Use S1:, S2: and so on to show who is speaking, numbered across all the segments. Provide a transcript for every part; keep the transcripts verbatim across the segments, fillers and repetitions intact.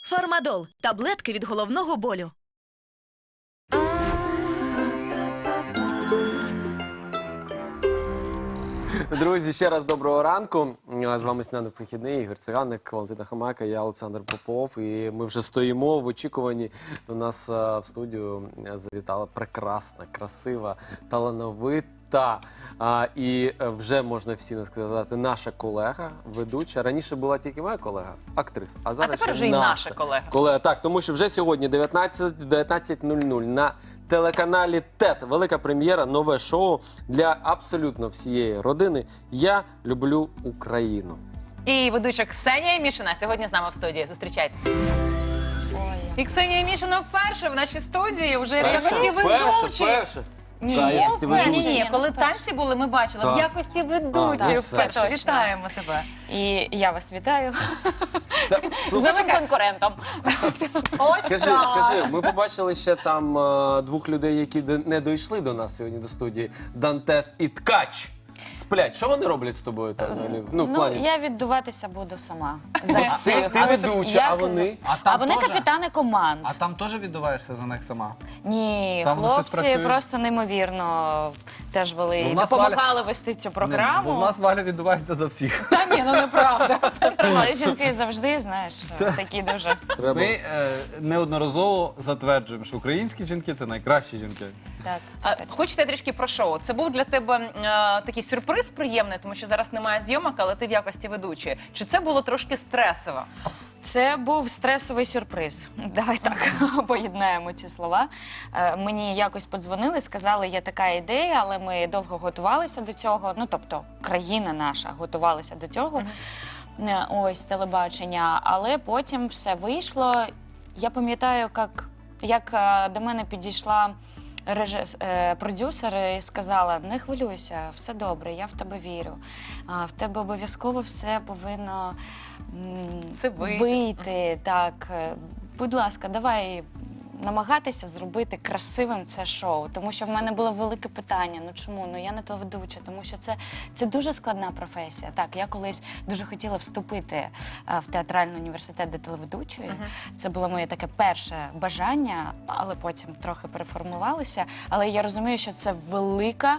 S1: Фармадол – таблетки від головного болю.
S2: Друзі, ще раз доброго ранку. З вами Сніданок вихідний, Ігор Циганик, Валентина Хамака, я Олександр Попов. І ми вже стоїмо в очікуванні. До нас в студію завітала прекрасна, красива, талановита. А, і вже можна всі сказати, наша колега, ведуча. Раніше була тільки моя колега, актриса. А зараз
S3: а тепер
S2: ще
S3: вже і
S2: наша
S3: наша колега.
S2: колега. Так, тому що вже сьогодні дев'ятнадцять нуль нуль на телеканалі ТЕТ. Велика прем'єра, нове шоу для абсолютно всієї родини. Я люблю Україну.
S3: І ведуча Ксенія Мішина сьогодні з нами в студії. Зустрічайте. І Ксенія Мішина вперше в нашій студії, вже в якості ведучі.
S2: перше.
S3: Ні,
S2: Та, якості
S3: ні,
S2: ведучі.
S3: ні, ні, коли танці були, ми бачили.
S2: Так.
S3: В якості
S2: А,
S3: ведучої
S2: ну,
S3: вперше.
S4: все.
S3: Вітаємо тебе.
S4: І я вас вітаю з
S3: Ну,
S4: новим
S3: чекай.
S4: конкурентом.
S3: Ось
S2: Скажи,
S3: справа.
S2: скажи, ми побачили ще там е, двох людей, які де- не дійшли до нас сьогодні до студії. Дантес і Ткач. Сплять. Що вони роблять з тобою там? Ну, в
S4: Ну,
S2: плані...
S4: я віддуватися буду сама.
S2: Ну,
S4: За
S2: всі,
S4: всіх.
S2: ти ведуча,
S4: Як
S2: а вони?
S4: за-
S5: А
S4: А
S5: там
S4: вони
S5: теж?
S4: капітани команд.
S5: А там теж віддуваєшся за них сама?
S4: Ні,
S5: Там воно щось
S4: хлопці
S5: працює?
S4: просто неймовірно теж вели
S5: Ну,
S4: і
S5: в нас
S4: допомагали вести цю
S5: Не, бо
S4: програму.
S5: в нас Валя віддувається за всіх.
S3: Та ні, ну неправда.
S4: Але жінки завжди, знаєш, такі дуже.
S2: Треба...
S5: Ми е, неодноразово затверджуємо, що українські жінки – це найкращі жінки.
S4: Так, це
S3: А,
S4: точно.
S3: Хочете трішки про шоу? Це був для тебе е, такий сюрприз приємний, тому що зараз немає зйомок, але ти в якості ведучої. Чи це було трошки стресово?
S4: Це був стресовий сюрприз. Давай так поєднаємо ці слова. Е, Мені якось подзвонили, сказали, є така ідея, але ми довго готувалися до цього. Ну, тобто, країна наша готувалася до цього. Е, Ось телебачення. Але потім все вийшло. Я пам'ятаю, як, як е, до мене підійшла режис... е, продюсер і сказала: не хвилюйся, все добре, я в тебе вірю. А, в тебе обов'язково все повинно м,
S3: Все вийти.
S4: вийти. Так, Е, будь ласка, давай намагатися зробити красивим це шоу. Тому що в мене було велике питання: ну чому? Ну я не телеведуча, тому що це, це дуже складна професія. Так, я колись дуже хотіла вступити е, в театральний університет до телеведучої. Це було моє таке перше бажання, але потім трохи переформувалися. Але я розумію, що це велика,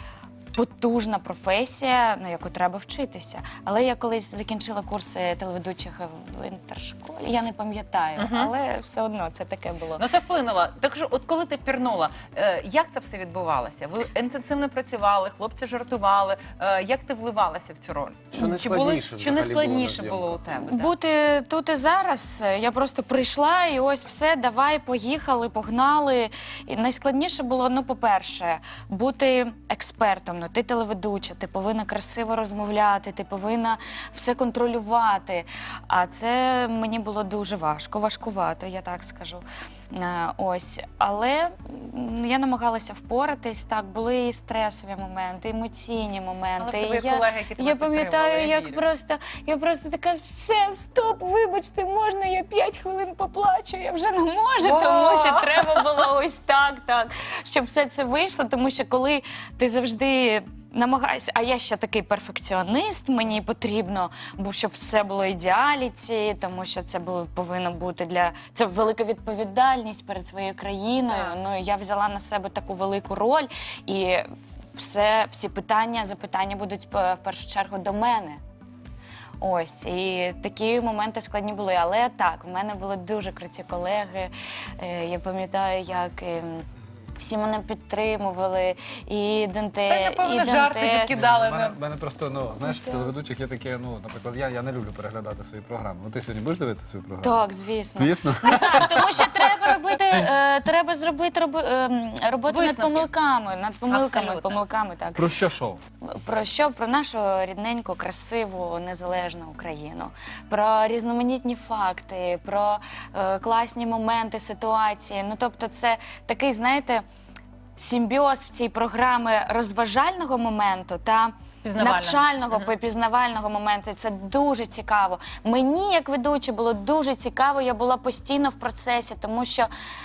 S4: потужна професія, на яку треба вчитися. Але я колись закінчила курси телеведучих в інтершколі, я не пам'ятаю, але все одно це таке було.
S3: Ну це вплинуло. Так що, от коли ти пірнула, е, як це все відбувалося? Ви інтенсивно працювали, хлопці жартували. Е, як ти вливалася в цю роль?
S2: Що
S3: Чи
S2: найскладніше
S3: було, що
S2: взагалі
S3: найскладніше
S2: було на
S3: було у тебе? да?
S4: Бути тут і зараз. Я просто прийшла і ось все, давай, поїхали, погнали. І найскладніше було, ну, по-перше, бути експертом. Ну, ти телеведуча, ти повинна красиво розмовляти, ти повинна все контролювати. А це мені було дуже важко, важкувато, я так скажу. Е, Ось, але м, я намагалася впоратись. Так, були і стресові моменти, і емоційні моменти.
S3: Але в тебе
S4: І
S3: є
S4: я,
S3: колеги, які тебе
S4: я пам'ятаю,
S3: підтримували, я
S4: як
S3: вірю.
S4: просто я просто така: все, стоп, вибачте, можна я п'ять хвилин поплачу? Я вже не можу,
S3: О!
S4: тому що треба було ось так, так, щоб все це вийшло. Тому що коли ти завжди намагаюся, а я ще такий перфекціоніст, мені потрібно, бо щоб все було ідеаліті, тому що це було повинно бути для це велика відповідальність перед своєю країною.
S3: Так.
S4: Ну і я взяла на себе таку велику роль, і все, всі питання, запитання будуть е, в першу чергу до мене. Ось, і такі моменти складні були. Але так, в мене були дуже круті колеги. Е, Я пам'ятаю, як ем, всі мене підтримували, і Данте,
S3: Та й, напевно,
S4: і
S3: жарти
S4: Данте.
S3: відкидали.
S5: У мене, в мене просто, ну, знаєш, в телеведучих є таке, ну, наприклад, я, я не люблю переглядати свої програми. Ну, ти сьогодні будеш дивитися свою програму?
S4: Так, звісно.
S5: Звісно.
S4: Так, тому що треба робити, е, треба зробити роби, е, роботу над
S3: Висновки.
S4: помилками, над помилками,
S3: Абсолютно.
S4: помилками, так.
S5: Про що шоу?
S4: Про що? Про нашу рідненьку, красиву, незалежну Україну, про різноманітні факти, про е, класні моменти, ситуації. Ну, тобто це такий, знаєте, симбіоз в цій програмі розважального моменту та
S3: Пізнавального.
S4: навчального, пізнавального моменту. Це дуже цікаво. Мені, як ведучі, було дуже цікаво, я була постійно в процесі, тому що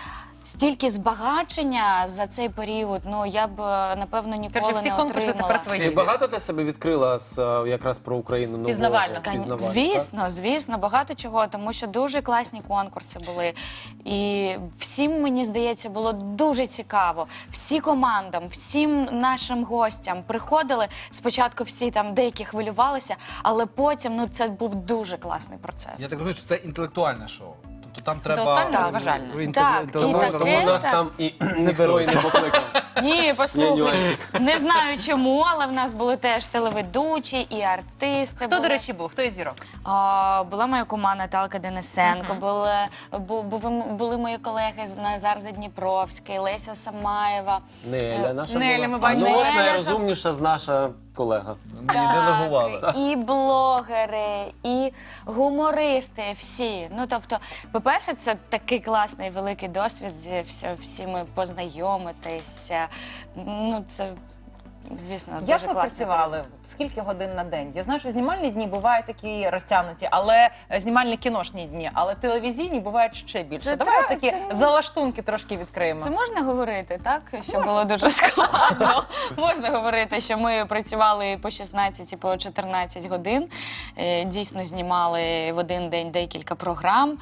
S4: стільки збагачення за цей період, ну я б е, напевно ніколи
S3: Коротше, всі
S4: не
S3: конкурси
S4: отримала.
S3: тепер твої.
S2: І багато ти себе відкрила з, е, якраз про Україну нового?
S3: Пізнавально.
S4: Кань-
S2: Пізнавально,
S4: Звісно, звісно, багато чого, тому що дуже класні конкурси були. І всім, мені здається, було дуже цікаво. Всі командам, всім нашим гостям приходили. Спочатку всі там деякі хвилювалися, але потім ну, це був дуже класний процес.
S5: Я так розумію, що це інтелектуальне шоу. Тобто там треба...
S3: Інтелектуально-розважальне.
S5: Інтеле-
S4: Так, і
S5: інтелектуально-
S4: таке-
S2: Тому нас
S4: так.
S2: там і ніхто і не покликав.
S4: Ні,
S2: Є
S4: послухай,
S2: нюансик.
S4: не знаю чому, але в нас були теж телеведучі і артисти.
S3: Хто,
S4: були.
S3: до речі, був? Хто із зірок?
S4: А, була моя команда Наталка Денисенко, були, бу- були, були мої колеги з Назар Задніпровський, Леся Самаєва.
S2: Неля наша
S3: Неля,
S2: була.
S3: ми бачили.
S2: Ну, от
S4: Неля
S2: найрозумніша з наша колега.
S5: Ми її делегували.
S4: І блогери, і гумористи, всі. Ну, тобто, по-перше, це такий класний великий досвід зі всі- всіми познайомитися. Ну, це, звісно,
S3: Як
S4: дуже
S3: ви
S4: класно.
S3: працювали? Скільки годин на день? Я знаю, що знімальні дні бувають такі розтягнуті, але е, знімальні кіношні дні, але телевізійні бувають ще більше.
S4: Це
S3: Давай
S4: так,
S3: такі
S4: це-
S3: залаштунки трошки відкриємо.
S4: Це можна говорити, так? Що було дуже складно. Можна говорити, що ми працювали по шістнадцять і по чотирнадцять годин. Е, Дійсно знімали в один день декілька програм.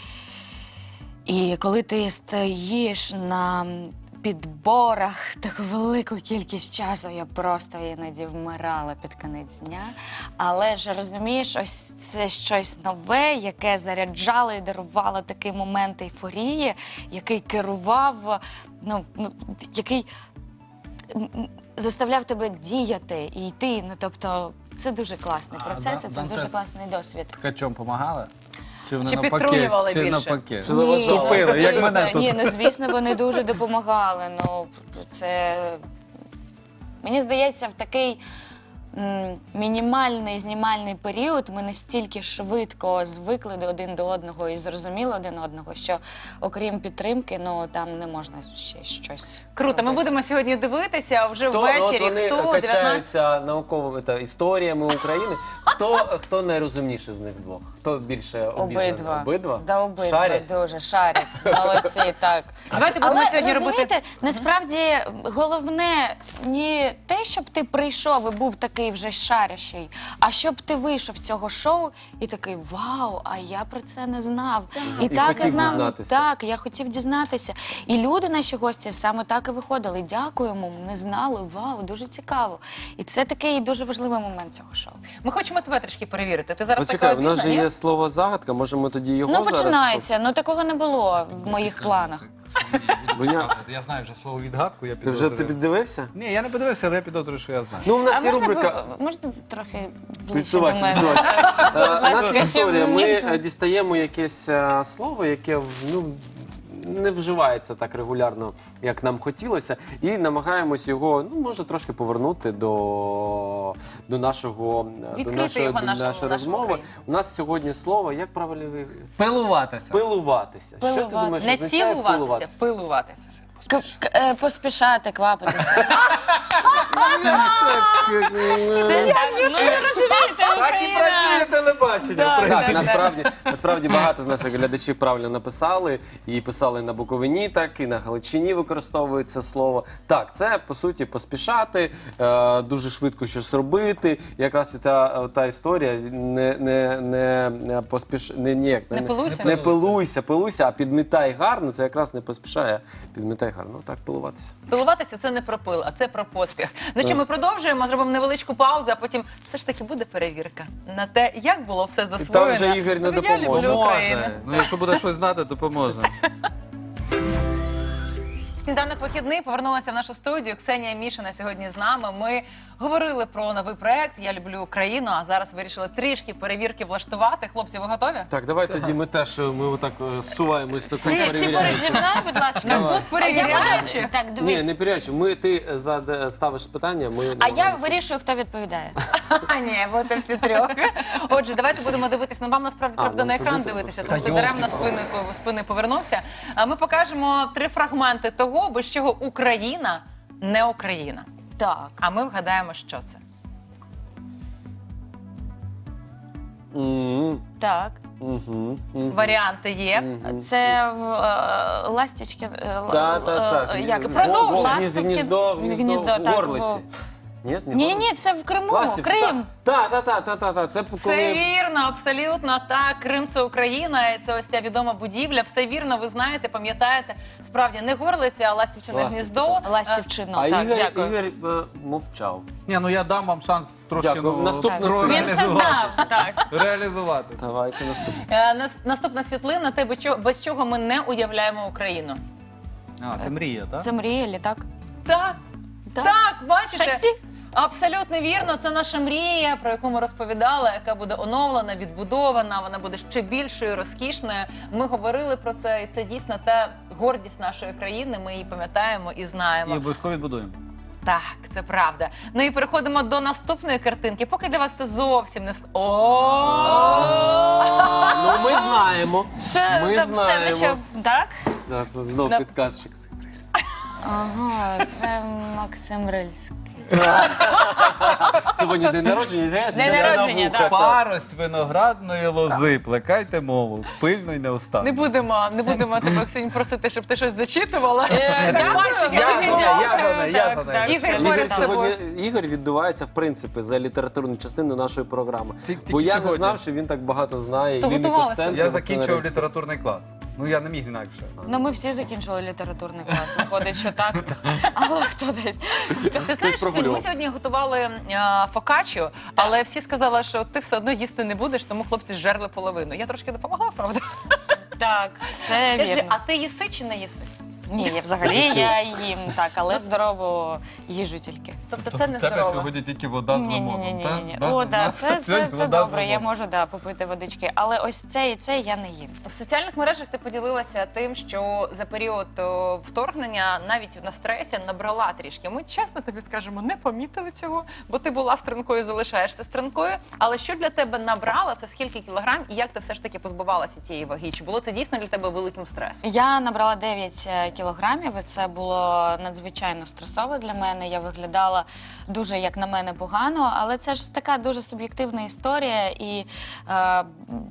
S4: І коли ти стоїш на підборах таку велику кількість часу, я просто іноді вмирала під кінець дня. Але ж розумієш, ось це щось нове, яке заряджало і дарувало такий момент ейфорії, який керував, ну, ну який м, м, заставляв тебе діяти і йти. Ну, тобто, це дуже класний
S5: А,
S4: процес,
S5: да-
S4: і це
S5: Дантес
S4: дуже класний досвід.
S5: Ткачом помагали? Чи вони
S3: Чи
S5: навпаки?
S3: підтрунювали
S5: Чи
S3: більше?
S5: навпаки?
S2: Чи заважали?
S4: ну,
S5: Тупили, як
S4: звісно,
S5: мене тут.
S4: Ні, ну звісно, вони дуже допомагали. Ну, це мені здається, в такий м, мінімальний знімальний період ми настільки швидко звикли до один до одного і зрозуміли один одного, що окрім підтримки, ну там не можна ще щось.
S3: Круто, ми
S4: робити.
S3: будемо сьогодні дивитися вже
S2: Хто,
S3: ввечері.
S2: от вони
S3: Хто дев'ятнадцять
S2: качаються науковими та, історіями України. Хто, хто найрозумніший з них двох? Хто більше обізнаний?
S4: Обидва.
S2: Обидва?
S4: Да, обидва
S2: Шарять?
S4: дуже шарять. Молодці, так.
S3: Давайте будемо
S4: Але
S3: сьогодні
S4: розумієте,
S3: робити.
S4: насправді головне не те, щоб ти прийшов і був такий вже шарящий, а щоб ти вийшов з цього шоу і такий вау, а я про це не знав. І,
S2: І
S4: так
S2: хотів
S4: і знав.
S2: дізнатися.
S4: Так, я хотів дізнатися. І люди, наші гості, саме так і виходили. Дякуємо, не знали, вау, дуже цікаво. І це такий дуже важливий момент цього шоу.
S3: Ми хочемо тебе трішки перевірити. Ти зараз
S2: Почекай,
S3: така
S2: у нас же
S3: обізна,
S2: є слово загадка, може ми тоді його
S4: Ну
S2: зараз...
S4: починається, ну такого не було в моїх планах.
S2: Буня-
S5: Я знаю вже слово відгадку, я
S2: Ти вже
S5: підозрюю.
S2: ти піддивився?
S5: Ні, я не подивився, але я підозрюю, що я знаю.
S2: Ну, у нас
S4: А
S2: є
S4: можна,
S2: рубрика...
S4: ви- можна трохи ближче до
S2: Підсувайся,
S4: мене?
S2: підсувайся. Е, Наша
S4: ласка,
S2: історія.
S4: ще
S2: Ми
S4: мені-
S2: е, дістаємо якесь е, слово, яке ну, не вживається так регулярно, як нам хотілося, і намагаємось його, ну, може, трошки повернути до, до нашого до
S3: Відкрити
S2: нашої,
S3: його
S2: до
S3: нашому-
S2: нашої
S3: нашому
S2: розмови.
S3: українцю.
S2: У нас сьогодні слово, як правильно ви-
S5: Пилуватися.
S2: пилуватися. Що ти
S4: Пилувати.
S2: думаєш,
S3: Не
S2: означає
S3: цілуватися, пилуватися.
S4: К- к- е, Поспішати, квапитися. Це як же? Ну ви розумієте,
S5: Так і працює телебачення, в
S2: Так,
S5: принципі.
S2: насправді, насправді багато з наших глядачів правильно написали і писали на Буковині, так і на Галичині використовують це слово. Так, це по суті поспішати, е, дуже швидко щось робити. Якраз і та, та історія не, не, не, не поспіш не, ніяк,
S3: Не пилуйся?
S2: не пилуйся, пилуйся, а підмітай гарно. Це якраз не поспішає. Підмітай гарно. Так пилуватися.
S3: Пилуватися це не про пил, а це про поспіх. Ну що, ми продовжуємо, зробимо невеличку паузу, а потім все ж таки буде перевірка на те, як було все засвоєно.
S2: там вже Ігор не
S3: в ідеалі
S2: допоможе.
S3: буде Україна.
S5: Поможе. Ну, якщо буде щось знати, то поможе.
S3: Сніданок вихідний, повернулася в нашу студію. Ксенія Мішина сьогодні з нами. Ми говорили про новий проект «Я люблю Україну», а зараз вирішили трішки перевірки влаштувати. Хлопці, ви готові?
S2: Так, давай тоді ми теж ми отак е, зсуваємось до
S4: Всі, всі поруч
S2: перевіряючи.
S4: зі мною, будь ласка.
S3: Ну, от
S4: А я
S3: перевіряючи.
S4: буду- Так, дивись.
S2: Ні, не перевіряючи. Ми ти зад- ставиш питання, ми
S4: А я
S2: намагаємося.
S4: вирішую, хто відповідає.
S3: А, ні, будете всі трьох. Отже, давайте будемо дивитися. Ну, вам насправді
S2: А,
S3: треба
S2: ну,
S3: на екран
S2: туди
S3: дивитися,
S2: треба.
S3: тому ти даремно спиною спиною повернувся. А ми покажемо три фрагменти того, без чого Україна не Україна.
S4: Так.
S3: А ми вгадаємо, що це.
S2: М,
S4: Так.
S2: Угу.
S3: Варіанти є.
S4: Це в е, ластічки. е, л-
S2: Та, та, та.
S4: е, Як
S2: Гніздо,
S3: Продовж.
S4: ластівки.
S2: Гніздо,
S4: Гніздо,
S2: гніздо,
S4: так,
S2: горлиці.
S4: во.
S2: Ні, не
S4: Ні,
S2: горлиці.
S4: ні, це в Криму,
S2: Ластівки,
S4: Крим.
S2: Так, так, так, так, так, так. Це
S3: Все
S2: коли...
S3: вірно, абсолютно так. Крим це Україна, і це ось ця відома будівля. Все вірно, ви знаєте, пам'ятаєте. Справді не горлиця, а ластівчине
S2: Ластівка.
S3: гніздо.
S4: Ластівчину,
S2: А
S4: так,
S2: Ігор,
S4: дякую.
S2: Ігор е, мовчав.
S5: Ні, ну я дам вам шанс трошки
S2: Дякую.
S5: ну,
S2: Наступного
S5: ре-
S4: Він все знав, так.
S5: реалізувати.
S2: Давайте наступне.
S3: Е, нас- Наступна світлина, те, без чого- без чого ми не уявляємо Україну.
S5: А, це мрія, так?
S4: Це мрія, літак.
S3: Так,
S4: Так.
S3: так, бачите?
S4: Шасі.
S3: Абсолютно вірно, це наша мрія, про яку ми розповідали, яка буде оновлена, відбудована, вона буде ще більшою, розкішною. Ми говорили про це, і це дійсно та гордість нашої країни. Ми її пам'ятаємо і знаємо.
S5: І обов'язково відбудуємо.
S3: Так, це правда. Ну і переходимо до наступної картинки. Поки для вас це зовсім не с- О!
S2: Ну, ми знаємо.
S4: Що
S2: Ми
S4: там все,
S2: знаємо.
S4: ну що, так?
S2: Так, знову
S3: На-
S2: підказчик.
S4: Ага, це Максим Рильський.
S2: Сьогодні день народження, не?
S4: День народження, так.
S5: Парость виноградної лози, плекайте мову, пильно й неустанно.
S3: Не будемо, не будемо тебе, Ксень, просити, щоб ти щось зачитувала.
S4: Е, дякую.
S3: Пальчики
S5: Я
S3: тобі
S5: за неї, я
S3: дякую.
S5: за неї, я
S3: Так,
S5: за неї.
S3: так. Ігор
S2: Ігор
S3: поряд з тобою.
S2: сьогодні Ігор відбувається в принципі за літературну частину нашої програми.
S5: Ті- тільки
S2: Бо я не
S5: сьогодні.
S2: знав, що він так багато знає.
S3: То
S2: Він і
S3: готувалися.
S2: Костенко,
S5: Я
S2: і Максим
S5: закінчував
S2: Рильський.
S5: літературний клас. Ну я не міг інакше.
S4: Ну, ми всі закінчили літературний клас. Виходить, що так. Але хто десь.
S3: Ти знаєш, Сьогодні, ми сьогодні готували е, фокаччо, але всі сказали, що ти все одно їсти не будеш, тому хлопці зжерли половину. Я трошки допомогла, правда?
S4: Так, це
S3: Скажи,
S4: вірно.
S3: а ти їси чи не їси?
S4: Ні, я взагалі я їм так, але здорову їжу тільки.
S3: Тобто це не
S5: У тебе
S3: здорово.
S5: сьогодні тільки вода з
S4: Ні, ні,
S5: лимоном,
S4: ні, ні,
S5: так?
S4: ні.
S5: Да,
S4: О,
S5: з-
S4: да,
S5: на-
S4: це, це,
S5: сьогодні
S4: це
S5: вода з
S4: добре. Я
S5: лимоном.
S4: можу да, попити водички. Але ось це і це я не їм.
S3: В соціальних мережах ти поділилася тим, що за період о, вторгнення навіть на стресі набрала трішки. Ми чесно тобі скажемо, не помітили цього, бо ти була стрункою, залишаєшся стрункою. Але що для тебе набрала, це скільки кілограм, і як ти все ж таки позбувалася тієї ваги? Чи було це дійсно для тебе великим стресом?
S4: Я набрала дев'ять кілограмів, і це було надзвичайно стресово для мене. Я виглядала дуже, як на мене, погано, але це ж така дуже суб'єктивна історія. І е,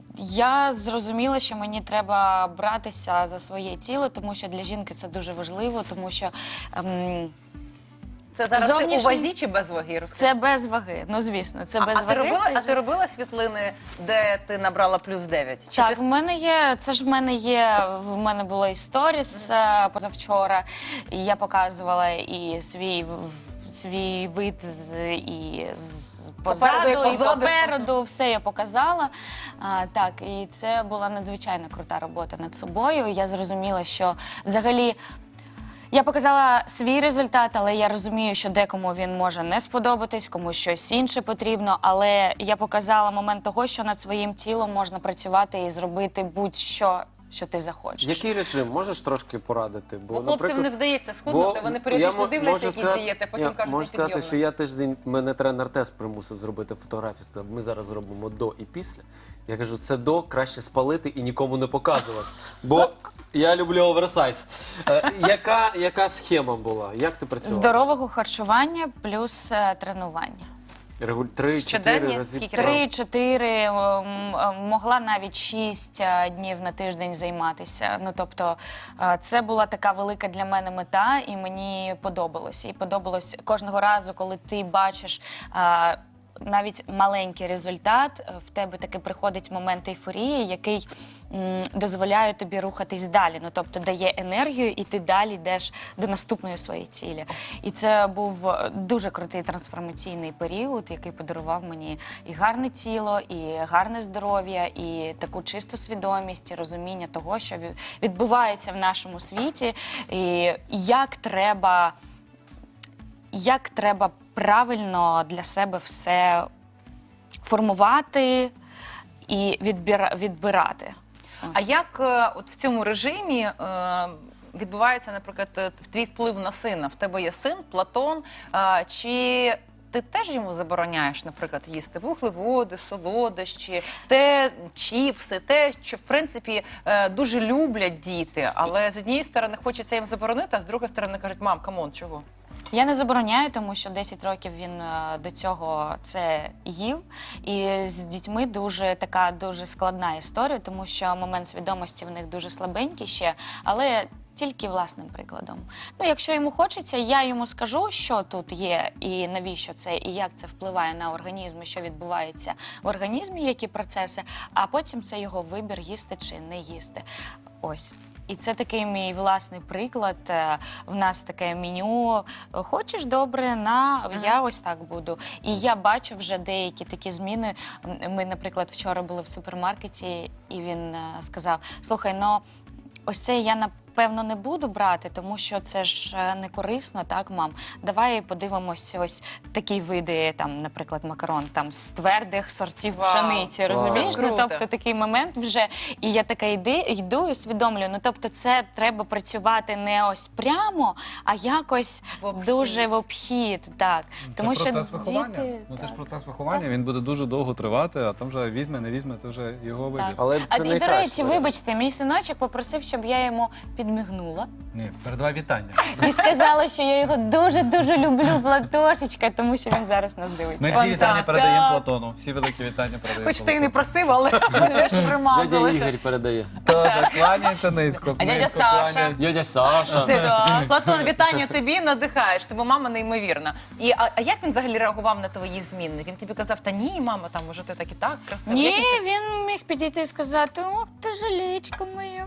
S4: я зрозуміла, що мені треба братися за своє тіло, тому що для жінки це дуже важливо, тому що ем,
S3: Це зараз ти у
S4: Зовнішній-
S3: вазі чи без ваги? Розкажи.
S4: це без ваги. Ну, звісно, це
S3: а,
S4: без
S3: а, ти
S4: ваги.
S3: робила,
S4: це
S3: а
S4: ж-
S3: ти робила світлини, де ти набрала плюс дев'ять? Чи
S4: Так,
S3: ти...
S4: в мене є. Це ж в мене є. В мене було і сторіс е, позавчора, і я показувала і свій в- свій вид з і з позаду,
S3: Попереду і
S4: і
S3: позаду.
S4: попереду. Все я показала. А, так, і це була надзвичайно крута робота над собою. Я зрозуміла, що взагалі. Я показала свій результат, але я розумію, що декому він може не сподобатись, комусь щось інше потрібно. Але я показала момент того, що над своїм тілом можна працювати і зробити будь-що, що ти захочеш.
S2: Який режим? Можеш трошки порадити?
S3: Бо хлопцям
S2: наприклад,
S3: не вдається схуднути,
S2: бо
S3: вони
S2: я
S3: періодично
S2: мо-
S3: дивляться
S2: можу
S3: якісь
S2: сказати-
S3: дієти, потім
S2: я
S3: кажуть,
S2: можу сказати,
S3: непідйомно.
S2: що я тиждень, мене тренер теж примусив зробити фотографію. Сказав, ми зараз зробимо до і після. Я кажу, це до краще спалити і нікому не показувати. Бо я люблю оверсайз. Е, яка, яка схема була? Як ти працювала?
S4: Здорового харчування плюс е, тренування.
S2: Регуль... Три,
S3: Щоденні?
S2: чотири рази.
S3: Скільки
S2: Так.
S4: Три-чотири, ем, ем, могла навіть шість е, днів на тиждень займатися. Ну тобто е, це була така велика для мене мета, і мені подобалось. І подобалось кожного разу, коли ти бачиш. е, Навіть маленький результат, е, в тебе таки приходить момент ейфорії, який м, дозволяє тобі рухатись далі. Ну тобто дає енергію, і ти далі йдеш до наступної своєї цілі. І це був е, дуже крутий трансформаційний період, який подарував мені і гарне тіло, і гарне здоров'я, і таку чисту свідомість, і розуміння того, що ві- відбувається в нашому світі, і як треба. Як треба правильно для себе все формувати і відбира, відбирати.
S3: А як е, от в цьому режимі е, відбувається, наприклад, е, твій вплив на сина? В тебе є син, Платон, е, чи ти теж йому забороняєш, наприклад, їсти вуглеводи, солодощі, те, чіпси, те, що, в принципі, е, дуже люблять діти, але з однієї сторони хочеться їм заборонити, а з другої сторони кажуть, мам, камон, чого?
S4: Я не забороняю, тому що десять років він е, до цього це їв. І з дітьми дуже така дуже складна історія, тому що момент свідомості в них дуже слабенький ще, але тільки власним прикладом. Ну, якщо йому хочеться, я йому скажу, що тут є, і навіщо це, і як це впливає на організм, і що відбувається в організмі, які процеси, а потім це його вибір, їсти чи не їсти. Ось. І це такий мій власний приклад. Е, В нас таке меню. Хочеш добре, на я ось так буду. І я бачу вже деякі такі зміни. М, Ми, наприклад, вчора були в супермаркеті, і він е, сказав: слухай, ну ось це я напевно не буду брати, тому що це ж е, не корисно, так, мам? Давай подивимось ось такі види, там, наприклад, макарон там з твердих сортів
S3: Вау.
S4: пшениці, розумієш?
S3: Круто.
S4: Ну, тобто такий момент вже, і я така йди, йду і усвідомлюю. Ну, тобто це треба працювати не ось прямо, а якось
S3: В обхід.
S4: дуже в обхід, так. Тому
S5: це
S4: що
S5: процес виховання.
S4: діти...
S5: Ну це ж
S4: так.
S5: процес виховання, він буде дуже довго тривати, а там вже візьме, не візьме, це вже його вибір.
S4: Так.
S2: Але це
S4: А, і, до
S2: найкраще.
S4: речі, вибачте, мій синочок попросив, щоб я йому підмігнула.
S5: Ні, передавай вітання.
S4: І сказала, що я його дуже-дуже люблю, Платошечка, тому що він зараз нас
S5: Ми
S4: дивиться.
S5: всі
S3: Он
S5: вітання
S3: так.
S5: передаємо
S4: Так.
S5: Платону. Всі великі вітання передаємо.
S3: Хоч ти і не
S5: Платону.
S3: просив, але ми теж
S2: Дядя
S3: примазалися.
S2: Ігор передає.
S5: Тож кланяється низько.
S3: А дядя
S5: низько
S3: Саша?
S5: кланяється.
S2: Дядя Саша.
S3: Це, да. Платон, вітання тобі, надихаєш, тебе мама неймовірна. І, а, а як він взагалі реагував на твої зміни? Він тобі казав, та ні, мама, там, може, ти так і так красиво.
S4: Ні,
S3: Як він-
S4: він міг підійти і сказати: ох, ти жалічка моя.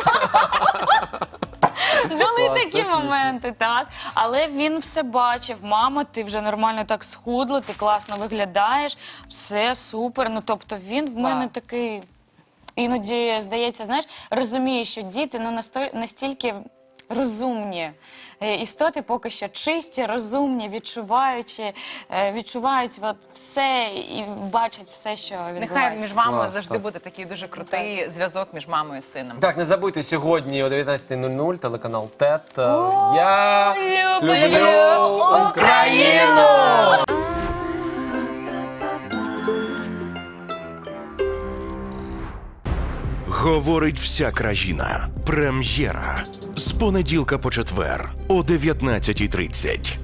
S4: Були
S2: Клас, це
S4: такі
S2: смішно.
S4: моменти, так. Але він все бачив. Мама, ти вже нормально так схудла, ти класно виглядаєш, все супер. Ну, тобто він в мене
S3: Так.
S4: такий, іноді, здається, знаєш, розуміє, що діти ну, насто- настільки розумні е, істоти, поки що чисті, розумні, відчуваючи, е, відчувають от все і бачать все, що відбувається.
S3: Нехай між вами
S2: Клас,
S3: завжди
S2: так.
S3: буде такий дуже крутий зв'язок між мамою і сином.
S2: Так, не забудьте сьогодні о дев'ятнадцятій нуль нуль телеканал ТЕТ.
S4: О,
S2: Я
S4: люблю
S2: люблю Україну!
S6: Говорить вся країна. Прем'єра. З понеділка по четвер о дев'ятнадцятій тридцять.